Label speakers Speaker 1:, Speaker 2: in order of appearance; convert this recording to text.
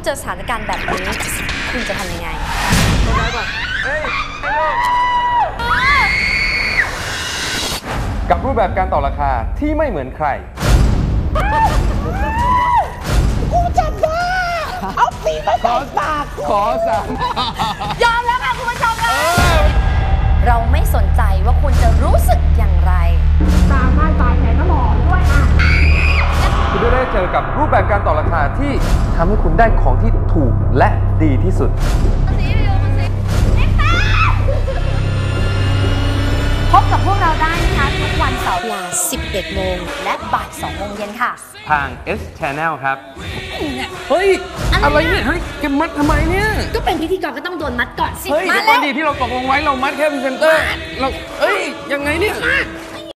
Speaker 1: เจอสถานการณ์แบบนี้คุณจะทำยังไง
Speaker 2: กับรูปแบบการต่อราคาที่ไม่เหมือนใคร
Speaker 3: กูจะบ้าเอาปีมาใส่ปาก
Speaker 2: ขอสั่ง
Speaker 1: ยอมแล้วค่ะคุณผู้ชมค่ะเราไม่สนใจว่าคุณจะรู้สึกอย่างไร
Speaker 3: ตามมาจ่ายแทนตลอดด้วยอ่ะ
Speaker 2: คุณจะได้เจอกับรูปแบบการต่อราคาที่ทำให้คุณได้ของที่ถูกและดีที่สุด
Speaker 1: พบกับพวกเราได้นะคะทุกวันเสาร์เวลา 11 โมงและบ่าย 2 โมงเย็นค่ะ
Speaker 2: ทาง S Channel ครับ
Speaker 4: เฮ้ย อะไรเนี่ย เฮ้ยแกมัดทำไมเนี่ย
Speaker 1: ก็เป็นพิธีกรก็ต้องโดนมัดก่อนสิ
Speaker 4: เฮ้ย
Speaker 1: มา
Speaker 4: เดี๋ยวก่
Speaker 1: แล้
Speaker 4: อน
Speaker 1: ว
Speaker 4: ดีที่เราตกลงไว้เรามัดแค่พรีเซนเตอร์ เราเอ้ย ยังไงเนี่ย